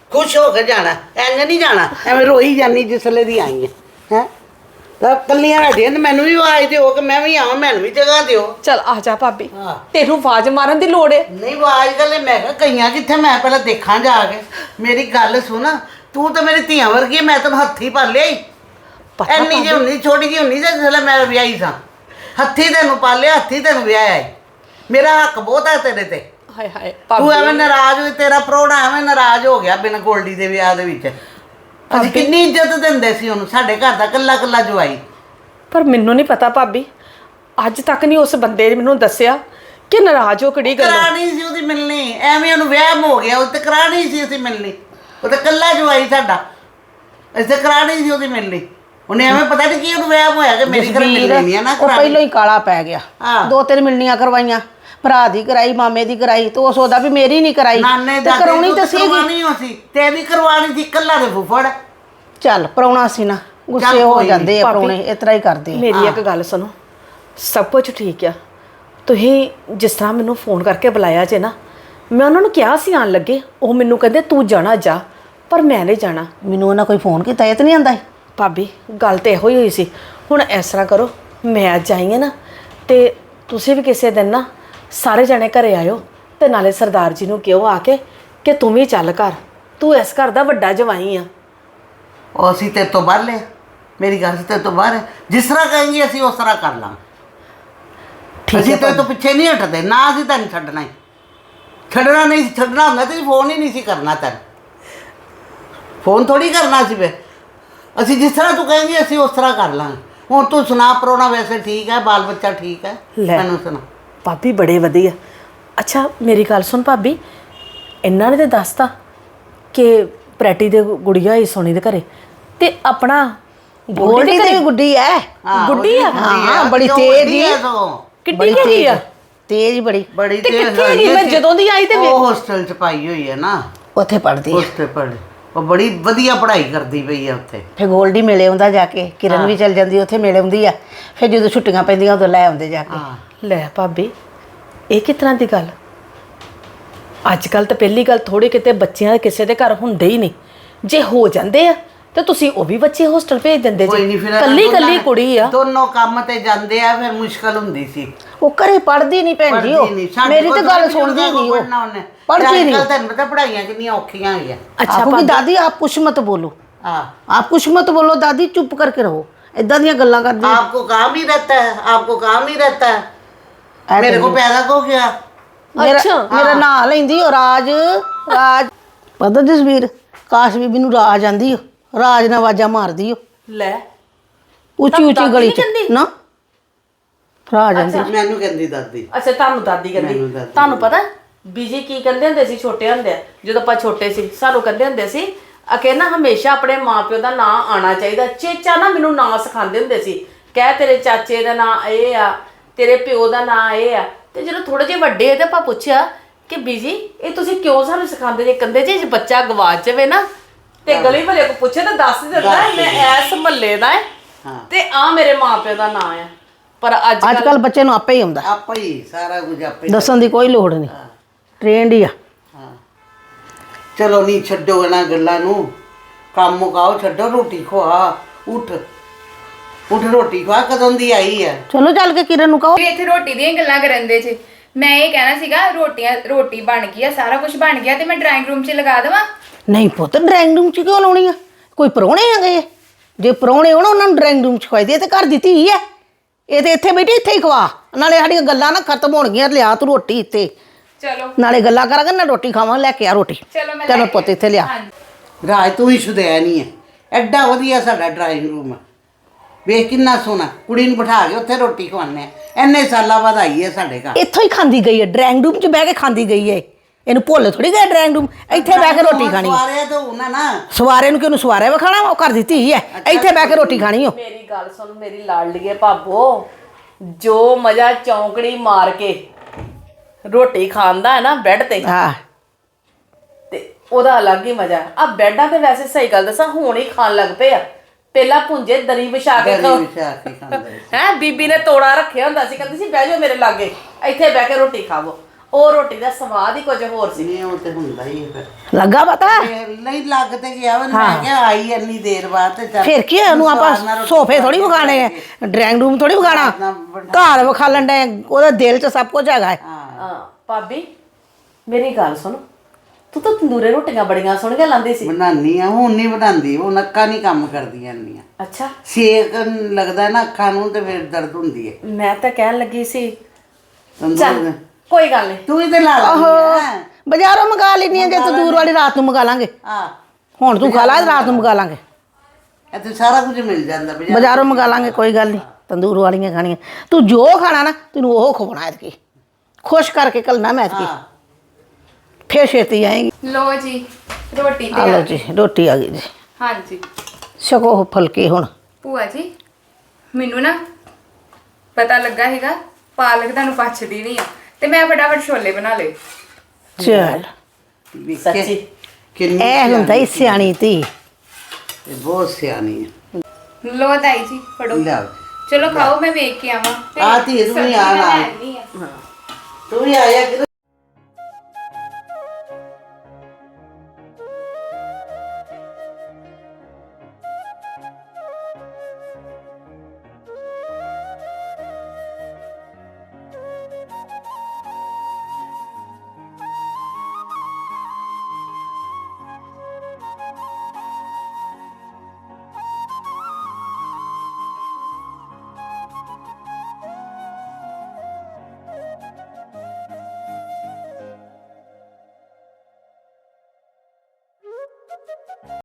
ਖੁਸ਼ ਹੋ ਕੇ ਜਾਣਾ, ਐਂਜ ਨਹੀਂ ਜਾਣਾ ਐਵੇਂ ਰੋਈ ਜਾਨੀ ਜਿਸਲੇ ਦੀ ਆਈ ਹੈ ਹੈ ਤਾਂ ਕੱਲੀਆਂ ਬੈਠੀਆਂ ਤੇ ਮੈਨੂੰ ਵੀ ਆਵਾਜ਼ ਦਿਓ ਕਿ ਮੈਂ ਵੀ ਆਵਾਂ, ਮੈਨੂੰ ਵੀ ਜਗ੍ਹਾ ਦਿਓ। ਚਲ ਆ ਜਾ ਭਾਬੀ, ਹਾਂ। ਤੈਨੂੰ ਆਵਾਜ਼ ਮਾਰਨ ਦੀ ਲੋੜ ਏ। ਨਹੀਂ ਆਵਾਜ਼ ਗੱਲ ਮੈਂ ਕਿਹਾ ਗਈਆਂ ਕਿੱਥੇ, ਮੈਂ ਪਹਿਲਾਂ ਦੇਖਾਂ ਜਾ ਕੇ। ਮੇਰੀ ਗੱਲ ਸੁਣ, ਤੂੰ ਤਾਂ ਮੇਰੀ ਧੀਆਂ ਵਰਗੀ ਹੈ, ਮੈਂ ਤੈਨੂੰ ਹੱਥੀ ਪਾ ਲਿਆ ਹੀ। ਪਤਾ ਐਨੀ ਜਿਹੀ ਹੁੰਦੀ ਛੋਟੀ ਜਿਹੀ ਹੁੰਦੀ ਤੇ ਜਿਸਲੇ ਮੈਂ ਵਿਆਹੀ ਸਾਂ, ਹੱਥੀ ਤੈਨੂੰ ਪਾਲਿਆ, ਹੱਥੀ ਤੈਨੂੰ ਵਿਆਹਿਆ ਈ। ਮੇਰਾ ਹੱਕ ਬਹੁਤ ਹੈ ਤੇਰੇ ਤੇ। ਹਾਏ ਹਾਏ ਤੂੰ ਐਵੇਂ ਭਾਬੀ, ਨਾਰਾਜ਼ ਹੋਈ, ਤੇਰਾ ਪ੍ਰਾਹੁਣਾ ਐਵੇਂ ਨਾਰਾਜ਼ ਹੋ ਗਿਆ ਬਿਨ ਗੋਲਡੀ ਦੇ ਵਿਆਹ ਦੇ ਵਿੱਚ। ਅਸੀਂ ਕਿੰਨੀ ਇੱਜ਼ਤ ਦਿੰਦੇ ਸੀ ਉਹਨੂੰ, ਸਾਡੇ ਘਰ ਦਾ ਕੱਲਾ ਕੱਲਾ ਜਵਾਈ। ਪਰ ਮੈਨੂੰ ਨਹੀਂ ਪਤਾ ਭਾਬੀ, ਅੱਜ ਤੱਕ ਨਹੀਂ ਉਸ ਬੰਦੇ ਨੇ ਮੈਨੂੰ ਦੱਸਿਆ ਕਿ ਨਾਰਾਜ਼ ਹੋ ਕਿਹੜੀ ਗੱਲ। ਕਰਾਣੀ ਸੀ ਉਹਦੀ ਮਿਲਣੀ, ਐਵੇਂ ਉਹਨੂੰ ਵਹਿਮ ਹੋ ਗਿਆ, ਉਹ ਤੇ ਕਰਾਣੀ ਸੀ ਅਸੀਂ ਮਿਲਣੀ। ਉਹ ਤੇ ਕੱਲਾ ਜਵਾਈ ਸਾਡਾ, ਅਸੀਂ ਤੇ ਕਰਾਣੀ ਸੀ ਉਹਦੀ ਮਿਲਣੀ। ਉਹਨੇ ਐਵੇਂ ਪਤਾ ਨਹੀਂ ਕੀ ਉਹਨੂੰ ਵਹਿਮ ਹੋਇਆ ਕਿ ਮੇਰੀ ਘਰ ਮਿਲਣੀ ਨਹੀਂ ਹੈ ਨਾ ਉਹ ਕਰਾਣੀ। ਪਹਿਲਾਂ ਹੀ ਕਾਲਾ ਪੈ ਗਿਆ। ਹਾਂ। ਦੋ ਤਿੰਨ ਮਿਲਣੀਆਂ ਕਰਵਾਈਆਂ, ਭਰਾ ਦੀ ਕਰਾਈ, ਮਾਮੇ ਦੀ ਕਰਾਈ, ਤੇ ਉਹ ਸੋਦਾ ਵੀ ਮੇਰੀ ਨਹੀਂ ਕਰਾਈ ਨਾਨੇ ਤੇ ਦਾ ਕਰਾਉਣੀ ਤਾਂ ਸੀਗੀ। ਕਰਵਾਣੀ ਹੋ ਸੀ, ਤੇਰੀ ਕਰਵਾਣੀ ਸੀ ਕੱਲਾ ਦੇ ਫੁੱਫੜ। ਚੱਲ ਪ੍ਰਾਹੁਣਾ ਸੀ ਨਾ, ਗੁੱਸੇ ਚੱਲ ਹੋ ਕੋਈ ਨੀ, ਜਾਂਦੇ ਆ ਭਾਬੀ। ਪ੍ਰਾਹੁਣੇ, ਇਸ ਤਰ੍ਹਾਂ ਹੀ ਕਰਦੇ ਆ। ਮੇਰੀ ਇੱਕ ਗੱਲ ਸੁਣੋ, ਸਭ ਕੁਝ ਠੀਕ ਆ। ਤੁਸੀਂ ਜਿਸ ਤਰ੍ਹਾਂ ਮੈਨੂੰ ਫੋਨ ਕਰਕੇ ਬੁਲਾਇਆ ਜੇ ਨਾ, ਮੈਂ ਉਹਨਾਂ ਨੂੰ ਕਿਹਾ ਸੀ ਆਉਣ ਲੱਗੇ, ਉਹ ਮੈਨੂੰ ਕਹਿੰਦੇ ਤੂੰ ਜਾਣਾ ਜਾ, ਪਰ ਮੈਂ ਨਹੀਂ ਜਾਣਾ। ਮੈਨੂੰ ਉਹਨਾਂ ਕੋਈ ਫੋਨ ਕੀਤਾ, ਇਹ ਤਾਂ ਨਹੀਂ ਆਂਦਾ। ਭਾਬੀ ਗੱਲ ਤੇ ਇਹੋ ਹੀ ਹੋਈ ਸੀ। ਹੁਣ ਇਸ ਤਰ੍ਹਾਂ ਕਰੋ, ਮੈਂ ਅੱਜ ਆਈ ਹਾਂ ਨਾ, ਤੇ ਤੁਸੀਂ ਵੀ ਕਿਸੇ ਦਿਨ ਨਾ ਸਾਰੇ ਜਣੇ ਘਰੇ ਆਇਓ, ਤੇ ਨਾਲੇ ਸਰਦਾਰ ਜੀ ਨੂੰ ਕਿਹੋ ਆ ਕੇ ਕਿ ਤੂੰ ਵੀ ਚੱਲ ਘਰ, ਤੂੰ ਇਸ ਘਰ ਦਾ ਵੱਡਾ ਜਵਾਈ ਆ। ਉਹ ਅਸੀਂ ਤੇਰੇ ਤੋਂ ਬਾਹਰ ਲੈ, ਮੇਰੀ ਗੱਲ ਤੇਰੇ ਤੋਂ ਬਾਹਰ ਹੈ। ਜਿਸ ਤਰ੍ਹਾਂ ਕहेंगे ਅਸੀਂ ਉਸ ਤਰ੍ਹਾਂ ਕਰ ਲਾਂਗੇ। ਅਸੀਂ ਤੇਰੇ ਤੋਂ ਪਿੱਛੇ ਨਹੀਂ ਹਟਦੇ, ਨਾ ਅਸੀਂ ਤੈਨੂੰ ਛੱਡਣਾ ਹੀ ਛੱਡਣਾ ਨਹੀਂ ਸੀ। ਛੱਡਣਾ ਹੁੰਦਾ ਤੇ ਫੋਨ ਹੀ ਨਹੀਂ ਸੀ ਕਰਨਾ, ਤੈਨੂੰ ਫੋਨ ਥੋੜੀ ਕਰਨਾ ਸੀ। ਵੇ ਅਸੀਂ ਜਿਸ ਤਰ੍ਹਾਂ ਤੂੰ ਕहेंगे ਅਸੀਂ ਉਸ ਤਰ੍ਹਾਂ ਕਰ ਲਾਂਗੇ। ਹੁਣ ਤੂੰ ਸੁਣਾ, ਪ੍ਰਾਹੁਣਾ ਵੈਸੇ ਠੀਕ ਹੈ, ਬਾਲ ਬੱਚਾ ਠੀਕ ਹੈ? ਲੈ। ਮੈਨੂੰ ਸੁਣਾ। ਭਾਬੀ ਬੜੇ ਵਧੀਆ। ਅੱਛਾ ਮੇਰੀ ਗੱਲ ਸੁਣ ਭਾਬੀ, ਇਹਨਾਂ ਨੇ ਤੇ ਦੱਸਤਾ ਕਿ ਪ੍ਰੈਟੀ ਦੇ ਗੁੜੀਆ ਹੀ ਸੋਨੀ ਦੇ ਘਰੇ, ਤੇ ਆਪਣਾ ਗੋਲਡੀ ਦੀ ਵੀ ਗੁੱਡੀ ਐ। ਹਾਂ, ਗੁੱਡੀ ਆ? ਉਹਦੀ ਹਾਂ, ਉਹ ਬੜੀ ਉਹ ਤੇਜ਼ ਵੱਡੀ ਹੈ ਹੀ। ਸਗੋਂ। ਕਿੱਡੀ ਹੈਗੀ ਆ? ਤੇਜ਼ ਬੜੀ। ਬੜੀ ਤੇ ਤੇਜ਼ ਕਿੱਥੇ ਹੈਗੀ ਹੈਗੀ? ਮੈਂ ਸੀ। ਜਦੋਂ ਦੀ ਆਈ ਤੇ ਵੇ- ਉਹ ਹੋਸਟਲ ਚ ਪਾਈ ਹੋਈ ਹੈ ਨਾ, ਉੱਥੇ ਪੜਦੀ ਉਸ ਤੇ ਪੜ੍ਹ। ਉਹ ਬੜੀ ਵਧੀਆ ਪੜ੍ਹਾਈ ਕਰਦੀ ਪਈ ਆ ਉੱਥੇ। ਫਿਰ ਗੋਲਡੀ ਮਿਲੇ ਆਉਂਦਾ ਜਾ ਕੇ, ਕਿਰਨ ਵੀ ਚਲ ਜਾਂਦੀ ਉੱਥੇ ਮਿਲੇ ਆਉਂਦੀ ਆ। ਫਿਰ ਜਦੋਂ ਛੁੱਟੀਆਂ ਪੈਂਦੀਆਂ ਉਦੋਂ ਲੈ ਆਉਂਦੇ ਜਾ ਕੇ। ਹਾਂ, ਲੈ ਭਾਬੀ, ਇਹ ਕਿਸ ਤਰ੍ਹਾਂ ਦੀ ਗੱਲ? ਅੱਜ ਕੱਲ ਤਾਂ ਪਹਿਲੀ ਗੱਲ, ਥੋੜੇ ਕਿਤੇ ਬੱਚਿਆਂ ਦੇ ਕਿਸੇ ਦੇ ਘਰ ਹੁੰਦੇ ਹੀ ਨਹੀਂ। ਜੇ ਹੋ ਜਾਂਦੇ ਆ ਤੇ ਤੁਸੀਂ ਉਹ ਵੀ ਬੱਚੇ ਹੋਸਟਲ ਭੇਜ ਦਿੰਦੇ ਕੋਈ ਜੀ। ਨਹੀਂ। ਫਿਰ ਕੱਲੀ ਦੋਨਾਂ ਕੱਲੀ ਨੇ- ਕੁੜੀ ਆ। ਦੋਨੋਂ ਕੰਮ ਤੇ ਜਾਂਦੇ ਆ, ਫਿਰ ਮੁਸ਼ਕਲ ਹੁੰਦੀ ਸੀ। ਉਹ ਘਰੇ ਪੜਦੀ ਨਹੀਂ ਭੈਣ ਜੀ, ਪੜ੍ਹਦੀ ਨਹੀਂ। ਉਹ ਸਾਡੇ ਮੇਰੀ ਕੋਲ ਤਾਂ ਗੱਲ ਥੋੜ੍ਹੀ ਸੁਣਦੀ ਬਜ਼ੁਰਗਾਂ ਨਹੀਂ, ਕੋਲ ਉਹ ਪੜ੍ਹਨਾ ਉਹਨੇ। ਪੜ੍ਹਦੀ ਤੇ ਨਹੀਂ। ਅੱਜ ਕੱਲ੍ਹ ਤੈਨੂੰ ਪਤਾ ਪੜ੍ਹਾਈਆਂ ਕਿੰਨੀਆਂ ਔਖੀਆਂ ਹੋਈਆਂ। ਅੱਛਾ आपको ਭਾਬੀ, दादी आप कुछ मत बोलो, हाँ, आप कुछ मत बोलो दादी, चुप करके रहो। इदां ਦੀਆਂ ਗੱਲਾਂ ਕਰਦੀ आपको काम ही रहता है, आपको काम ही रहता है। ऐ मेरे को करिए। पैदा को क्या? ਮੇਰਾ ਅੱਛਾ। ਮੇਰਾ ਨਾਂ ਲੈਂਦੀ ਉਹ ਰਾਜ ਰਾਜ। ਪਤਾ ਜਸਵੀਰ, ਕਾਸ਼ ਬੀਬੀ ਨੂੰ ਰਾਜ ਆਂਦੀ ਉਹ, ਰਾਜ ਨਾਲ ਆਵਾਜ਼ਾਂ ਮਾਰਦੀ ਉਹ ਲੈ ਉੱਚੀ ਉੱਚੀ ਦਾਦੀ ਗਲੀ ਨੀ ਚ ਕਹਿੰਦੀ? ਨਾ ਰਾਜ ਆਂਦੀ। ਮੈਨੂੰ ਕਹਿੰਦੀ ਦਾਦੀ। ਅੱਛਾ ਤੁਹਾਨੂੰ ਦਾਦੀ ਕਹਿੰਦੀ। ਮੈਨੂੰ ਦਾਦੀ ਤੁਹਾਨੂੰ ਪਤਾ ਬੀਜੀ ਕੀ ਕਹਿੰਦੇ ਹੁੰਦੇ ਸੀ ਛੋਟੇ ਹੁੰਦੇ, ਜਦੋਂ ਆਪਾਂ ਛੋਟੇ ਸੀ, ਸਾਨੂੰ ਕਹਿੰਦੇ ਹੁੰਦੇ ਸੀ ਅਕੇ ਨਾ ਹਮੇਸ਼ਾ ਆਪਣੇ ਮਾਪਿਓ ਦਾ ਨਾਂ ਆਣਾ ਚਾਹੀਦਾ। ਚੇਚਾ ਨਾ ਮੈਨੂੰ ਨਾਂ ਸਿਖਾਉਂਦੇ ਹੁੰਦੇ ਸੀ, ਕਹਿ ਤੇਰੇ ਚਾਚੇ ਦਾ ਨਾਂ ਇਹ ਆ, ਤੇਰੇ ਪਿਓ ਦਾ ਨਾਂ ਇਹ ਆ। ਤੇ ਜਦੋਂ ਥੋੜੇ ਜਿਹੇ ਵੱਡੇ ਹੋਏ ਤੇ ਆਪਾਂ ਪੁੱਛਿਆ ਕਿ ਬੀਜੀ ਇਹ ਤੁਸੀਂ ਕਿਉਂ ਸਾਨੂੰ ਸਿਖਾਉਂਦੇ ਜੇ? ਕਹਿੰਦੇ ਜੇ ਬੱਚਾ ਗਵਾਚ ਜਾਵੇ ਨਾ ਤੇ ਗਲੀ ਵਾਲੇ ਕੋ ਪੁੱਛੇ ਤਾਂ ਦੱਸ ਦਿੰਦਾ ਮੈਂ ਐਸ ਮਹੱਲੇ ਦਾ ਹੈ ਤੇ ਆ ਮੇਰੇ ਮਾਪਿਓ ਦਾ ਨਾਂ ਆ। ਪਰ ਅੱਜ ਅੱਜ ਕੱਲ ਬੱਚੇ ਨੂੰ ਆਪੇ ਹੀ ਆਉਂਦਾ, ਆਪੇ ਹੀ ਸਾਰਾ ਕੁਝ ਆਪੇ ਹੀ। ਦੱਸਣ ਦੀ ਕੋਈ ਲੋੜ ਨਹੀਂ, ਟ੍ਰੇਨਡ ਹੀ ਆ। ਹਾਂ, ਚਲੋ ਨਹੀਂ ਛੱਡੋ ਇਹਨਾਂ ਗੱਲਾਂ ਨੂੰ, ਕੰਮ ਮੁਕਾਓ, ਛੱਡੋ, ਰੋਟੀ ਖਵਾ। ਉੱਠ ਉੱਠ, ਰੋਟੀ ਖਵਾ। ਕਦੋਂ ਦੀ ਆਈ ਹੈ? ਚਲੋ ਚੱਲ ਕੇ ਕਿਰਨ ਨੂੰ ਕਹੋ। ਵੀ ਇੱਥੇ ਰੋਟੀ ਦੀਆਂ ਗੱਲਾਂ ਕਰਨ ਦੇ ਜੀ। ਮੈਂ ਇਹ ਕਹਿਣਾ ਸੀਗਾ, ਰੋਟੀਆਂ ਰੋਟੀ ਬਣ ਗਈ ਆ, ਸਾਰਾ ਕੁਝ ਬਣ ਗਿਆ, ਤੇ ਮੈਂ ਡਰਾਇੰਗ ਰੂਮ 'ਚ ਲਗਾ ਦੇਵਾਂ? ਨਹੀਂ ਪੁੱਤ, ਡਰਾਇੰਗ ਰੂਮ ਚ ਕਿਉਂ ਲਾਉਣੀ ਆ? ਕੋਈ ਪ੍ਰਾਹੁਣੇ ਆ ਗਏ? ਜੇ ਪ੍ਰਾਹੁਣੇ ਹੋਣ ਉਹਨਾਂ ਨੂੰ ਡਰਾਇੰਗ ਰੂਮ ਚ ਖਵਾਈ ਦੇ, ਤੇ ਘਰ ਦੀ ਧੀ ਹੈ ਇਹ, ਤੇ ਇੱਥੇ ਬੈਠੀ ਇੱਥੇ ਹੀ ਖਵਾ। ਨਾਲੇ ਸਾਡੀਆਂ ਗੱਲਾਂ ਨਾ ਖਤਮ ਹੋਣਗੀਆਂ। ਲਿਆ ਤੂੰ ਰੋਟੀ ਇੱਥੇ, ਚਲੋ ਨਾਲੇ ਗੱਲਾਂ ਕਰਾਂਗੇ ਨਾ ਰੋਟੀ ਖਾਵਾਂ। ਲੈ ਕੇ ਆ ਰੋਟੀ। ਚਲੋ ਮੈਂ ਚਲੋ ਲੈ ਪੁੱਤ ਕੇ- ਇੱਥੇ ਲਿਆ। ਹਾਂਜੀ। ਰਾਜ ਤੂੰ ਹੀ ਸ਼ੁਦੈਣ ਹੀ ਹੈ। ਐਡਾ ਵਧੀਆ ਸਾਡਾ ਡਰਾਇੰਗ ਰੂਮ ਹੈ, ਵੇਖ ਕਿੰਨਾ ਸੋਹਣਾ। ਕੁੜੀ ਨੂੰ ਬਿਠਾ ਕੇ ਉੱਥੇ ਰੋਟੀ ਖਵਾਉਂਦੇ ਆ। ਇੰਨੇ ਸਾਲਾਂ ਬਾਅਦ ਆਈ ਹੈ ਸਾਡੇ ਘਰ। ਇੱਥੋਂ ਹੀ ਖਾਂਦੀ ਗਈ ਹੈ, ਡਰਾਇੰਗ ਰੂਮ 'ਚ ਬਹਿ ਕੇ ਖਾਂਦੀ ਗਈ ਹੈ। ਇਹਨੂੰ ਭੁੱਲ ਥੋੜੀ ਗਿਆ ਡਰਾਇੰਗ ਰੂਮ, ਇੱਥੇ ਬਹਿ ਕੇ ਰੋਟੀ ਖਾਣੀ ਹੈ। ਸਵਾਰਿਆ ਤਾਂ ਉਹਨਾਂ ਨਾ ਸਵਾਰੇ ਨੂੰ ਕਿਉਂ ਸਵਾਰਿਆ ਵਿਖਾਣਾ? ਉਹ ਘਰ ਦੀ ਧੀ ਹੈ, ਇੱਥੇ ਬਹਿ ਕੇ ਰੋਟੀ ਖਾਣੀ ਹੋ। ਮੇਰੀ ਗੱਲ ਸੁਣ ਮੇਰੀ ਲਾਡਲੀਏ ਭਾਬੋ, ਜੋ ਮਜ਼ਾ ਚੌਂਕੜੀ ਮਾਰ ਕੇ ਰੋਟੀ ਖਾਣ ਦਾ ਹੈ ਨਾ ਬੈੱਡ ਤੇ, ਹਾਂ, ਤੇ ਉਹਦਾ ਅਲੱਗ ਹੀ ਮਜ਼ਾ। ਆ ਬੈੱਡਾਂ ਤੇ ਵੈਸੇ ਸਹੀ ਗੱਲ ਦੱਸਾਂ ਹੁਣ ਹੀ ਖਾਣ ਲੱਗ ਪਏ ਆ। ਪਹਿਲਾਂ ਭੁੰਜੇ ਦਰੀ ਵਿਛਾ ਕੇ ਦਰੀ ਖਾਓ ਵਿਛਾ ਕੇ ਖਾਂਦੇ ਸੀ। ਹੈ। ਬੀਬੀ ਨੇ ਤੋੜਾ ਰੱਖਿਆ ਹੁੰਦਾ ਸੀ, ਕਹਿੰਦੀ ਸੀ ਬਹਿ ਜਾਓ ਮੇਰੇ ਲਾਗੇ, ਇੱਥੇ ਬਹਿ ਕੇ ਰੋਟੀ ਖਾਵੋ। ਉਹ ਰੋਟੀ ਦਾ ਸਵਾਦ ਹੀ ਕੁਝ ਹੋਰ ਸੀ। ਨਹੀਂ ਉਹ ਤੇ ਹੁੰਦਾ ਹੀ ਹੈ ਫਿਰ ਲੱਗਾ ਪਤਾ ਤੇ ਨਹੀਂ ਲੱਗ ਤੇ ਗਿਆ ਵਾ ਮੈਂ ਕਿਹਾ ਆਈ ਇੰਨੀ ਦੇਰ ਬਾਅਦ ਤੇ ਚੱਲ ਫਿਰ ਕੀ ਹੋਇਆ, ਉਹਨੂੰ ਆਪਾਂ ਸਵਾਦ ਨਾਲ ਰੋਟੀ ਸੋਫੇ ਥੋੜੀ ਵਿਖਾਣੇ ਆ, ਡਰਾਇੰਗ ਰੂਮ ਥੋੜੀ ਵਿਖਾਣਾ, ਘਰ ਵਿਖਾ ਲੈਂਦੇ ਉਹਦੇ ਦਿਲ 'ਚ ਸਭ ਕੁਝ ਹੈਗਾ ਹੈ। ਹਾਂ ਭਾਬੀ ਮੇਰੀ ਗੱਲ ਸੁਣ, ਤੂੰ ਤਾਂ ਤੰਦੂਰੇ ਰੋਟੀਆਂ ਬੜੀਆਂ ਸੋਹਣੀਆਂ ਲਾਂਦੀ ਸੀ। ਬਣਾਨੀ ਆ ਹੁਣ ਨਹੀਂ ਬਣਾਉਂਦੀ ਹੁਣ ਅੱਖਾਂ ਨਹੀਂ ਕੰਮ ਕਰਦੀਆਂ ਇੰਨੀਆਂ ਅੱਛਾ ਸੇਕ ਲੱਗਦਾ ਨਾ ਅੱਖਾਂ ਨੂੰ ਤੇ ਫਿਰ ਦਰਦ ਹੁੰਦੀ ਹੈ ਮੈਂ ਤਾਂ ਕਹਿਣ ਲੱਗੀ ਸੀ ਤੰਦੂਰ ਚੱਲ ਕੋਈ ਗੱਲ ਨਹੀਂ। ਤੂੰ ਹੀ ਤੇ ਲਾ ਲਾ ਬਾਜ਼ਾਰੋਂ ਮੰਗਾ ਲੈਣੀ ਆ, ਜੇ ਤੰਦੂਰ ਵਾਲੀ ਰਾਤ ਨੂੰ ਮੰਗਾ ਲਾਂਗੇ। ਹਾਂ ਹੁਣ ਤੂੰ ਖਾ ਲਾ, ਰਾਤ ਨੂੰ ਮੰਗਾ ਲਾਂਗੇ। ਇੱਥੇ ਸਾਰਾ ਕੁਝ ਮਿਲ ਜਾਂਦਾ ਬਾਜ਼ਾਰ ਬਾਜ਼ਾਰੋਂ ਮੰਗਾ ਲਾਂਗੇ, ਕੋਈ ਗੱਲ ਨਹੀਂ। ਤੰਦੂਰ ਵਾਲੀਆਂ ਖਾਣੀਆਂ, ਤੂੰ ਜੋ ਖਾਣਾ ਨਾ ਤੈਨੂੰ ਉਹ ਖਵਾਉਣਾ ਐਤਕੀ, ਖੁਸ਼ ਕਰਕੇ ਕੱਲਣਾ ਮੈਂ ਐਤਕੀ, ਫੇਰ ਛੇਤੀ ਆਏਗੀ। ਲੋ ਜੀ ਰੋਟੀ ਆ ਤੇ ਲਓ ਜੀ ਰੋਟੀ ਆ ਗਈ ਜੀ, ਹਾਂਜੀ ਛਕੋ ਉਹ ਫੁਲਕੇ ਹੁਣ। ਭੂਆ ਜੀ ਮੈਨੂੰ ਨਾ ਪਤਾ ਲੱਗਾ ਹੈਗਾ ਪਾਲਕ ਤੁਹਾਨੂੰ ਪਚਦੀ ਨਹੀਂ ਆ, ਤੇ ਮੈਂ ਫਟਾਫਟ ਛੋਲੇ ਬਣਾ ਲਏ। ਚੱਲ ਸੱਚੀ ਕਿੰਨੀ ਇਹ ਹੁੰਦਾ ਹੀ ਸਿਆਣੀ ਧੀ। ਇਹ ਬਹੁਤ ਸਿਆਣੀ ਹੈ ਲੋ ਤਾਈ ਜੀ ਫੜੋ, ਲਿਆ ਚਲੋ ਖਾਓ, ਮੈਂ ਵੇਖ ਕੇ ਆਵਾਂ। ਤੇ ਆ ਧੀ ਤੂੰ ਵੀ ਆ ਸਬਜ਼ੀ ਮੈਂ ਨਾਲ। ਲੈ ਆਉਂਦੀ ਆ। ਤੂੰ ਵੀ ਆਇਆ ਕਿ